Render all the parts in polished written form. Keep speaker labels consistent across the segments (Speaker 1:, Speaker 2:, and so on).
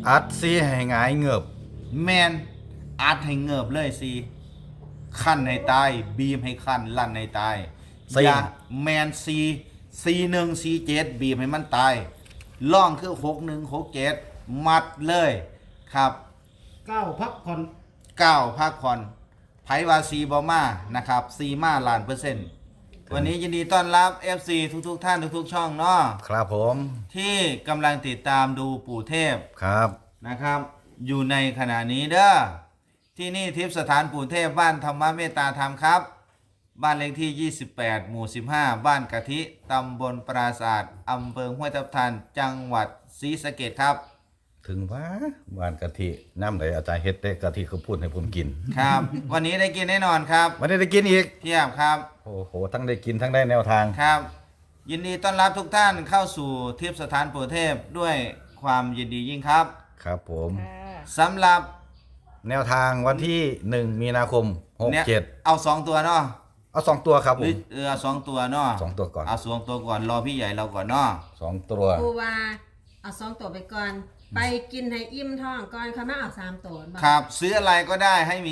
Speaker 1: อัดซีให้หงายเงือบ
Speaker 2: แมนอัดให้เงิบเลยซีขั้นให้ตายบีมให้ขั้นลั่นให้ตายอย่าแมนC1 C7บีมให้มันตายล่องคือ61 67มัดเลยครับ
Speaker 3: 9พักผ่อน
Speaker 2: 9พักผ่อนไผว่าซีบอมานะครับซีมาล้าน%วันนี้ยินดีต้อนรับ FC ทุกท่านทุกช่องเนาะ
Speaker 1: ครับผม
Speaker 2: ที่กำลังติดตามดูปู่เทพ
Speaker 1: ครับ
Speaker 2: นะครับอยู่ในขณะนี้เด้อที่นี่ทิพย์สถานปู่เทพบ้านธรรมเมตตาธรรมครับบ้านเลขที่28หมู่15บ้านกะทิตำบลปราศาสตร์อำเภอห้วยทับทันจังหวัดศรีสะเกษครับ
Speaker 1: ถึงว่าหวานกะทิน้ำไหลอาจารย์เฮ็ดแต่กะทิเขาพูดให้ผมกิน
Speaker 2: ครับ วันนี้ได้กินแน่นอนครับ
Speaker 1: วันนี้ได้กินอีก
Speaker 2: เทียบครับ
Speaker 1: โอ้โหทั้งได้กินทั้งได้แนวทาง
Speaker 2: ครับ ยินดีต้อนรับทุกท่านเข้าสู่ทิพย์สถานปู่เทพด้วยความยินดียิ่งครับ
Speaker 1: ครับผม
Speaker 2: สำหรับ
Speaker 1: แนวทางวันที่1มีนาคม67
Speaker 2: เอา2ตัวเนาะ
Speaker 1: เอา2ตัวครับผม
Speaker 2: เอา2ตัวเนาะ
Speaker 1: 2ตัวก่อน
Speaker 2: เอา2ตัวก่อนรอพี่ใหญ่เราก่อนเนาะ
Speaker 1: 2ตัว
Speaker 4: ปูว่าเอา2ตัวไปก่อนไปกินให้อิ่มท้องก่อนเขามาเอา3ตัว
Speaker 2: ครับซื้ออะไรก็ได้ให้มี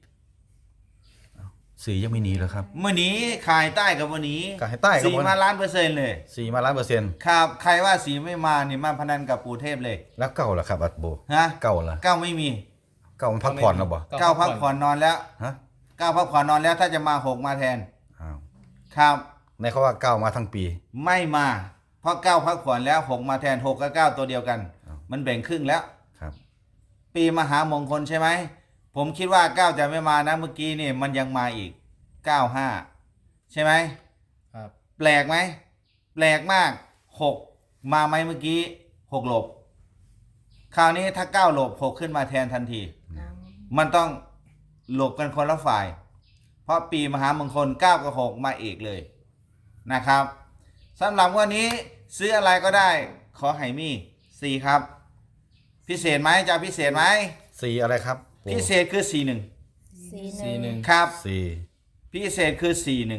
Speaker 1: สียังไม่หนีเหรอครับ
Speaker 2: เมื่อนี้ขายใต้กับวันนี้
Speaker 1: ขายใต้กับ
Speaker 2: สีมาล้านเปอร์เซ็นต์เลย
Speaker 1: สีมา1,000,000%
Speaker 2: ครับใครว่าสีไม่มานี่มาพนันกับปู่เทพเลย
Speaker 1: แล้วเก่าเหรอครับอัดโบ
Speaker 2: ฮะ
Speaker 1: เก่าเหรอ
Speaker 2: เก้าไม่มี
Speaker 1: เก่ามันพักผ่อนแล้วบ่
Speaker 2: เก้าพักผ่อนนอนแล้ว
Speaker 1: ฮะ
Speaker 2: เก้าพักผ่อนนอนแล้วถ้าจะมา6มาแทน
Speaker 1: อ้าว
Speaker 2: ครับ
Speaker 1: ในเขาว่าเก่ามาทั้งปี
Speaker 2: ไม่มาเพราะ9พักผ่อนแล้ว6มาแทน6กับ9ตัวเดียวกันมันแบ่งครึ่งแล้ว
Speaker 1: ครับ
Speaker 2: ปีมหามงคลใช่ไหมผมคิดว่า9จะไม่มานะเมื่อกี้นี่มันยังมาอีก95ใช่ไหม
Speaker 3: ครับ
Speaker 2: แปลกไหมแปลกมาก6มาไหมเมื่อกี้6หลบคราวนี้ถ้า9หลบ6ขึ้นมาแทนทันทีมันต้องหลบกันคนละฝ่ายเพราะปีมหามงคล9กับ6มาอีกเลยนะครับสำหรับวันนี้ซื้ออะไรก็ได้ขอให้มี4ครับพิเศษไหมจะพิเศษไหม
Speaker 1: สีอะไรครับ
Speaker 2: พิเศษคือ
Speaker 3: 41
Speaker 2: ครับ
Speaker 1: 4
Speaker 2: พิเศษคือ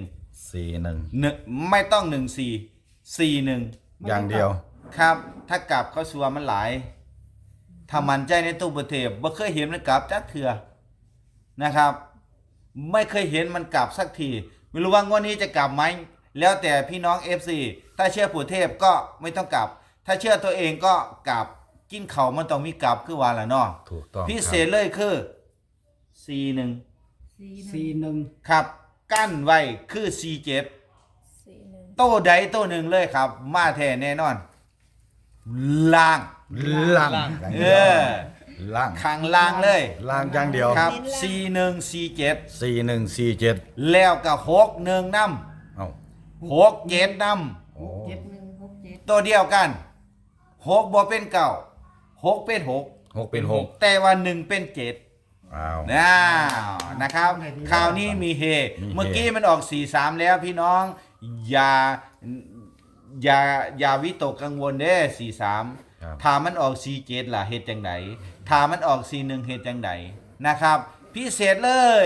Speaker 1: 41
Speaker 2: ไม่ต้อง1441
Speaker 1: อย่างเดียว
Speaker 2: ครับถ้ากลับเขาชัวมันหลายถ้ามันใจในตู้ประเทศบ่เคยเห็นมันกลับจักเถื่อนะครับไม่เคยเห็นมันกลับสักทีไม่รู้ว่างวดนี้จะกลับไหมแล้วแต่พี่น้อง FC ถ้าเชื่อปู่เทพก็ไม่ต้องกลับถ้าเชื่อตัวเองก็กลับกินเขามันต้องมีกลับคือว่าล่ะเนาะ
Speaker 1: ถูกต้อง
Speaker 2: พิเศษเลยคือ
Speaker 3: 41
Speaker 2: ครับกั้นไว้คือ47โต้ใดโต้หนึ่งเลยครับมาแท้แน่นอนล่าง
Speaker 1: ล่าง
Speaker 2: ข้างล่างเลย
Speaker 1: ล่างอย่างเดียว
Speaker 2: ครับ4147
Speaker 1: 4147
Speaker 2: แล้วก็61นำ
Speaker 1: เอ้า
Speaker 2: 67นำ
Speaker 1: โอ้
Speaker 2: ตัวเดียวกัน6บ่เป็น9 6เป็น
Speaker 1: 6เป็น6
Speaker 2: แต่ว่า1เป็น7
Speaker 1: อ้าว
Speaker 2: นะครับคราวนี้มีเฮเมื่อกี้มันออก43แล้วพี่น้องอย่าวิตกกังวลเด้43ถ้ามันออก47ล่ะเฮ็ดจังไดถ้ามันออก41เฮ็ดจังไดนะครับพิเศษเลย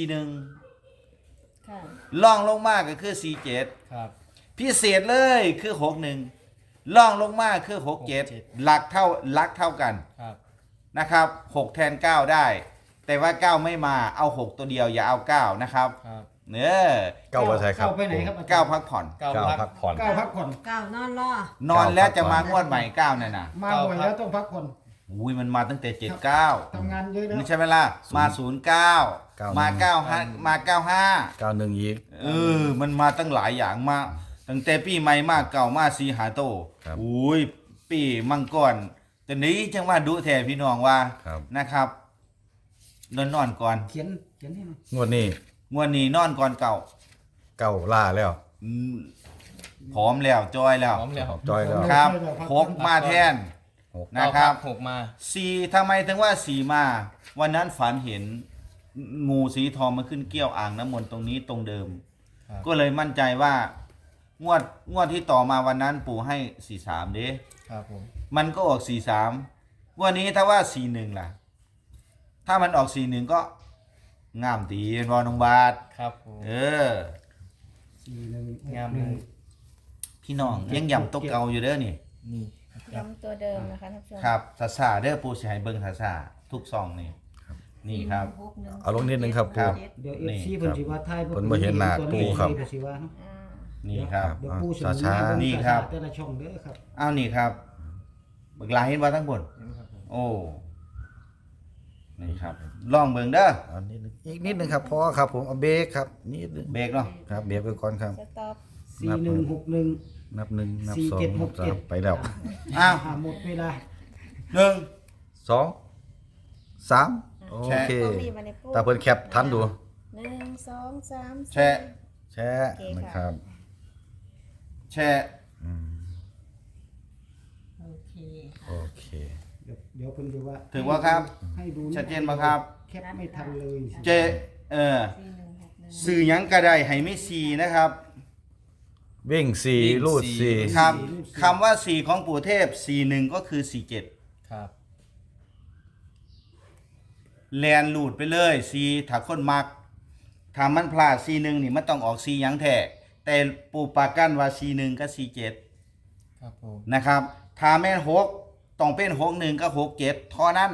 Speaker 2: 41
Speaker 4: ค่ะ
Speaker 2: ล่องลงมาก็คือ47
Speaker 3: ครับ
Speaker 2: พิเศษเลยคือ61ล่องลงมาคือ67หลักเท่ากัน
Speaker 3: ครับ
Speaker 2: นะครับ6แทน9ได้แต่ว่า9ไม่มาเอา6ตัวเดียวอย่าเอา9นะครับเนื้อ
Speaker 1: 9ว่าใช่ครับ
Speaker 3: 9ไปไหนครับ
Speaker 2: 9พักผ่อน
Speaker 1: 9พักผ่อน
Speaker 3: 9พักผ่อน
Speaker 4: 9นอนรอน
Speaker 2: อนแล้วจะมางวดใหม่9นั่นน่ะ
Speaker 3: มาบ่อยแล้วต้องพักผ่อน
Speaker 2: อุ้ยมันมาตั้งแต่79
Speaker 3: ทำงานเยอะแล้ว
Speaker 2: ไม่ใช่ไหมล่ะมา09มา95มา
Speaker 1: 91อีก
Speaker 2: มันมาตั้งหลายอย่างมาตั้งแต่ปีใหม่มาเก่ามาสีหาโตอุ้ยปีมังกรแต่นี้จังว่าดุแท้พี่น้องว่านะครับนอนก่อน
Speaker 3: เขียนให้หน่อย
Speaker 1: งวดนี้
Speaker 2: นอนก่อนเก่า
Speaker 1: ล่าแล้ว
Speaker 2: ผอมแล้วจอยแล้ว
Speaker 1: จอยแล้ว
Speaker 2: ครับ6มาแทนนะครับ
Speaker 3: 6มา
Speaker 2: 4ทำไมถึงว่า4มาวันนั้นฝันเห็นงูสีทองมาขึ้นเกี้ยวอ่างน้ำมนต์ตรงนี้ตรงเดิมก็เลยมั่นใจว่างวดที่ต่อมาวันนั้นปู่ให้43เด้
Speaker 3: ครับผม
Speaker 2: มันก็ออก43วันนี้ถ้าว่า41ล่ะถ้ามันออก41ก็งามตีเป็นบอลน้องบาท
Speaker 3: ครับผม 41งาม
Speaker 2: พี่น้องยังย่ำตกเก่าอยู่เด้อนี่
Speaker 5: ย้ำตัวเดิมนะคะท่านผู้ชม
Speaker 2: ครับซาซาเด้อปูสิให้เบิ่งซาซาทุกซองนี่นี่ครับ
Speaker 1: เอาลงนิดนึงครับ
Speaker 2: ครั
Speaker 1: ปู
Speaker 2: บ
Speaker 3: เดี๋ยว
Speaker 2: นี่
Speaker 3: FC เพิ่นสิว่าทาย
Speaker 1: เพิ่นบ่เห็นหน้าปูครับ
Speaker 3: เพิ่นสิว่าเนาะ
Speaker 5: อ่า
Speaker 2: นี่ครับ
Speaker 3: เดี๋ยวปูสิ
Speaker 1: ช้าๆ
Speaker 3: เบิ่ง
Speaker 2: นี่ครับ
Speaker 3: แต่ละช่องเด้อครับ
Speaker 2: อ้าวนี่ครับเบิกลายเห็นว่าทั้งบนโอ้นี่ครับลองเบิ่งเด้อ
Speaker 1: เอานิดนึงอีกนิดนึงครับพอครับผมเอาเบรกครับนิดนึง
Speaker 2: เบรกเนาะ
Speaker 1: ครับเบรกไปก่อนครับ
Speaker 5: สต็อป
Speaker 3: 4161
Speaker 1: นับหนึ่งนับ
Speaker 3: สี่
Speaker 1: สอง
Speaker 3: เจ็ดห
Speaker 1: นับ
Speaker 3: ก
Speaker 1: สา
Speaker 3: เจ็
Speaker 1: ม
Speaker 3: ด
Speaker 1: ไปแล้ว
Speaker 2: อ้าว
Speaker 3: หมดเวลา
Speaker 2: หนึ่ง
Speaker 1: สองสามโอ
Speaker 2: แชะ
Speaker 1: เค
Speaker 5: กล้องนี้มาในปู
Speaker 1: ตาเพิ่นแคปทันดู
Speaker 5: 1 2 3
Speaker 2: แชะ
Speaker 1: แชะนะครับ
Speaker 2: แช่
Speaker 1: อืม
Speaker 4: โอเค
Speaker 1: โอเค
Speaker 3: เดี๋ยวเพิ่นสิว่า
Speaker 2: ถือว่าครับ
Speaker 3: ให้ดู
Speaker 2: ชัดเจนบ่ครับ
Speaker 3: แคปไม่ทันเลย
Speaker 2: เจสื่อหยังก็ได้ให้ไม่ซีนะครับ
Speaker 1: วิ่งสี่ลูดสี่
Speaker 2: ครับคำว่าสี่ของปู่เทพ41ก็คือ47
Speaker 6: ครับ
Speaker 2: แลนหลุดไปเลยซีถ้าคนมักถ้ามันพลาด41นี่มันต้องออกซีหยังแท้แต่ปู่ปากกันว่า41กับ47
Speaker 6: ครับผม
Speaker 2: นะครับถ้าแม่น6ต้องเป็น61กับ67เท่านั้น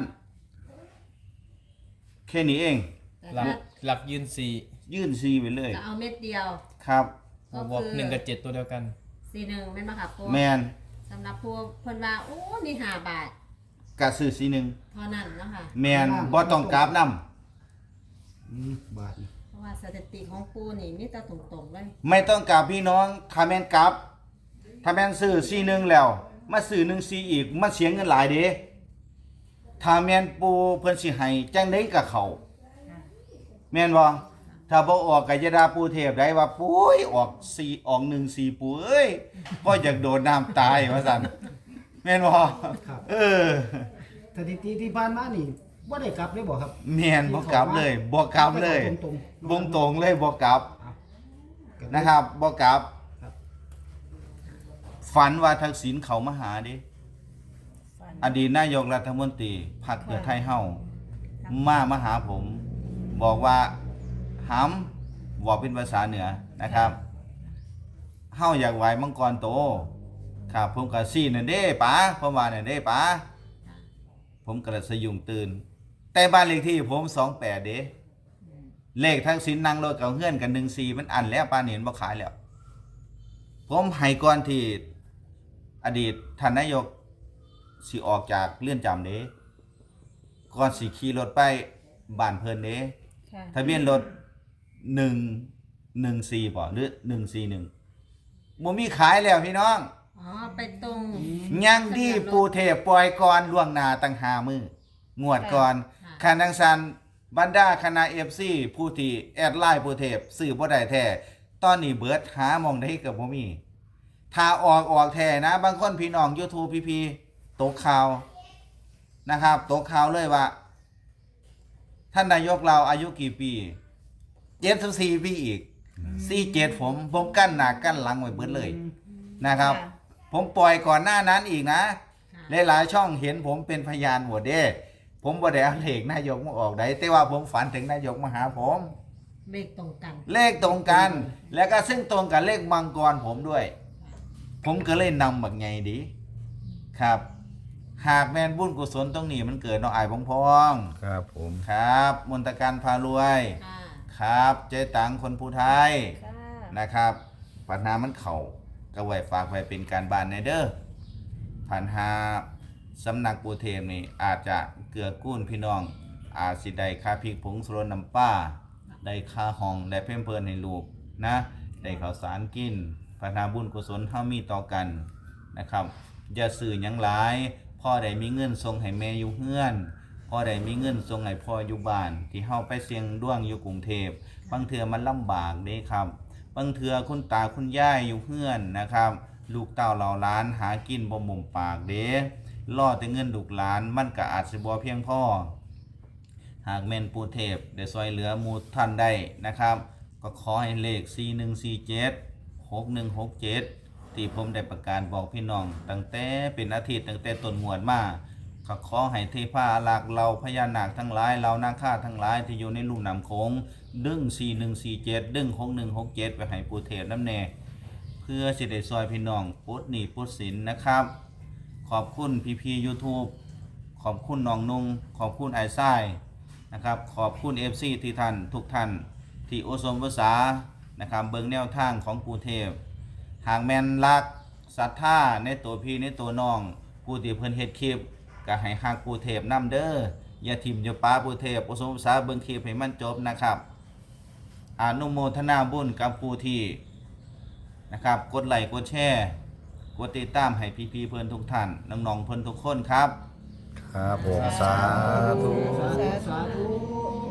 Speaker 2: แค่นี้เอง
Speaker 4: แต่
Speaker 6: หลัก
Speaker 4: ถ้า
Speaker 6: หลักยืนสี่
Speaker 2: ยื่นซีไปเลย
Speaker 4: จะเอาเม็ดเดียว
Speaker 2: ครับ
Speaker 4: ก็
Speaker 6: บวก
Speaker 4: คือ
Speaker 6: หนึ่งกับเจ็ดตัวเดียวกัน
Speaker 4: 41แม่นบ่ค่ะปู
Speaker 2: แมน
Speaker 4: สำหรับผู้เพิ่นว่าโอ้นี่5บาท
Speaker 2: กะซื้อ41
Speaker 4: เท่านั้นเนาะค่ะ
Speaker 2: แมนบ่ต้องกราฟนำ
Speaker 3: บาท
Speaker 4: เพราะว่าสถิติของปูนี่มีแต่ตรงๆเลย
Speaker 2: ไม่ต้องกราฟพี่น้องถ้าแม่นกราฟถ้าแม่นซื้อ41แล้วมาซื้อ14อีกมันเสียเงินหลายเด้ถ้าแม่นปูเพิ่นสิให้จังได๋ก็เข้าแม่นบ่ถ้าบ่ออกก็จะด่าปูเทพได้ว่าปุ้ยออก4ออก1 4ปูเอ้ยบ่อยากโดดน้ำตายว่าซั่นแม่นบ่เออ
Speaker 3: สถิติที่ผ่านมานี่บ่ได้กลับเลยบ่ครับ
Speaker 2: แม่นบ่กลับเลยบ่กลับเลย
Speaker 3: ตรงๆ
Speaker 2: วงตรงเลยบ่กลับนะครับบ่กลับ
Speaker 3: ครับ
Speaker 2: ฝันว่าทักษิณเขามาหาเดิ
Speaker 5: ฝัน
Speaker 2: อดีตนายกรัฐมนตรีพรรคเพื่อไทยเฮามาหาผม บอกว่าหำบอกเป็นภาษาเหนือนะครับเฮาอยากไหวมังกรโตครับผมก็ซี่นั่นเด้ป๋าผมว่านั่นเด้ป๋าผมก็เลยสยุงตื่น แต่บ้านเลขที่ผม28เด้เลขทักษิณนั่งรถกับเฮือนกัน14มันอันแล้วปานนี้บ่ขายแล้ว ผมให้ก่อนที่อดีตท่านนายกสิออกจากเรือนจำเด้ก่อนสิขี่รถไปบ้านเพิ่นเด้
Speaker 5: ค่ะ
Speaker 2: ทะเบียนรถ114บ่หรือ141บ่มีขายแล้วพี่น้อง
Speaker 4: อ๋อไปตรง
Speaker 2: ยังดีปูเทพปล่อยก่อนล่วงหน้าตั้ง5มื้องวดก่อนคันจังซั่นบรรดาคณะ FC ผู้ที่แอดไลน์ปูเทพซื้อบ่ได้แท้ตอนนี้เบิดหาหม่องได้ก็บ่มี ถ้าออกแท้นะ บางคนพี่น้อง YouTube พี่ตกข่าวนะครับตกข่าวเลยว่า ท่านนายกเราอายุกี่ปี74ปีอีก47ผมกั้นหน้ากั้นหลังไว้เบิดเลยนะครับ ผมปล่อยก่อนหน้านั้นอีกนะ
Speaker 4: ค่ะ
Speaker 2: หลายๆช่องเห็นผมเป็นพยานหมดเด้ ผมบ่ได้เอาเลขนายกมาออกได้แต่ว่าผมฝันถึงนายกมาหาผม
Speaker 4: เลขตรงกัน
Speaker 2: เลขตรงกัน แล้วก็ซึ่งตรงกับเลขมังกรผมด้วย ผมก็เลยนำบักไงดี ครับ หากแมนบุญกุศลตรงนี้มันเกิดน้องอายพอง
Speaker 1: ครับผม
Speaker 2: ครับ มนตการพารวย
Speaker 4: ค่ะ
Speaker 2: ครับ เจ๊ตังคนผู้ไทย
Speaker 5: ค่ะ
Speaker 2: นะครับปัญหามันเข่าก็ไว้ฝากไว้เป็นการบ้านในเด้อปัญหาสำนักปูเทมนี่อาจจะเกื้อกูลพี่น้อง อาจสิได้ค่าพริกผงสรน้ำป้า ได้ค่าห้องได้เพิ่มเพิ่นให้ลูกนะ ได้ข้าวสารกินปัญหาบุญกุศลเฮามีต่อกันนะครับ อย่าสื่อหยังหลายพ่อได้มีเงินส่งให้แม่อยู่เฮือนพ่อได้มีเงินส่งให้พ่ออยู่บ้าน ที่เฮาไปเสี่ยงดวงอยู่กรุงเทพบางเทื่อมันลำบากเด้ครับ บางเทื่อคุณตาคุณยายอยู่เฮือนนะครับ ลูกเต้าเหล่าหลานหากินบ่หมุมปากเด้รอแต่เงินลูกหลานมันก็อาจสิบ่เพียงพอหากแม่นปู่เทพได้ช่วยเหลือหมู่ท่านได้นะครับ ก็ขอให้เลข4147 6167ที่ผมได้ประกาศบอกพี่น้องตั้งแต่เป็นอาทิตย์ตั้งแต่ต้นงวดมาก็ขอให้เทพาอารักษ์เราพญานาคทั้งหลายเรานาคาทั้งหลายที่อยู่ในลุ่มน้ำโขงดึง4147ดึง6167ไปให้ปู่เทพนำแน่เพื่อสิได้ซอยพี่น้องปลดหนี้ปลดสินนะครับ ขขอบคุณพี่ๆ YouTube ขอบคุณน้องนุ่งขอบคุณไอ้ไส้นะครับขอบคุณ FC ที่ท่านทุกท่านที่อุสมภาษานะครับเบิ่งแนวทางของปู่เทพหากแม่นรักศรัทธาในตัวพี่ในตัวน้องผู้ที่เพิ่นเฮ็ดคลิปก็ให้ฮักปู่เทพนำเด้ออย่าทิ่มอย่าป้าปู่เทพอุสมภาษาเบิ่งคลิปให้มันจบนะครับอนุโมทนาบุญกับผู้ที่นะครับกดไลค์กดแชร์กดติดตามให้พี่ๆเพิ่นทุกท่านน้องๆเพิ่นทุกคนครับ
Speaker 1: ครับผมสาธุ
Speaker 3: สาธุ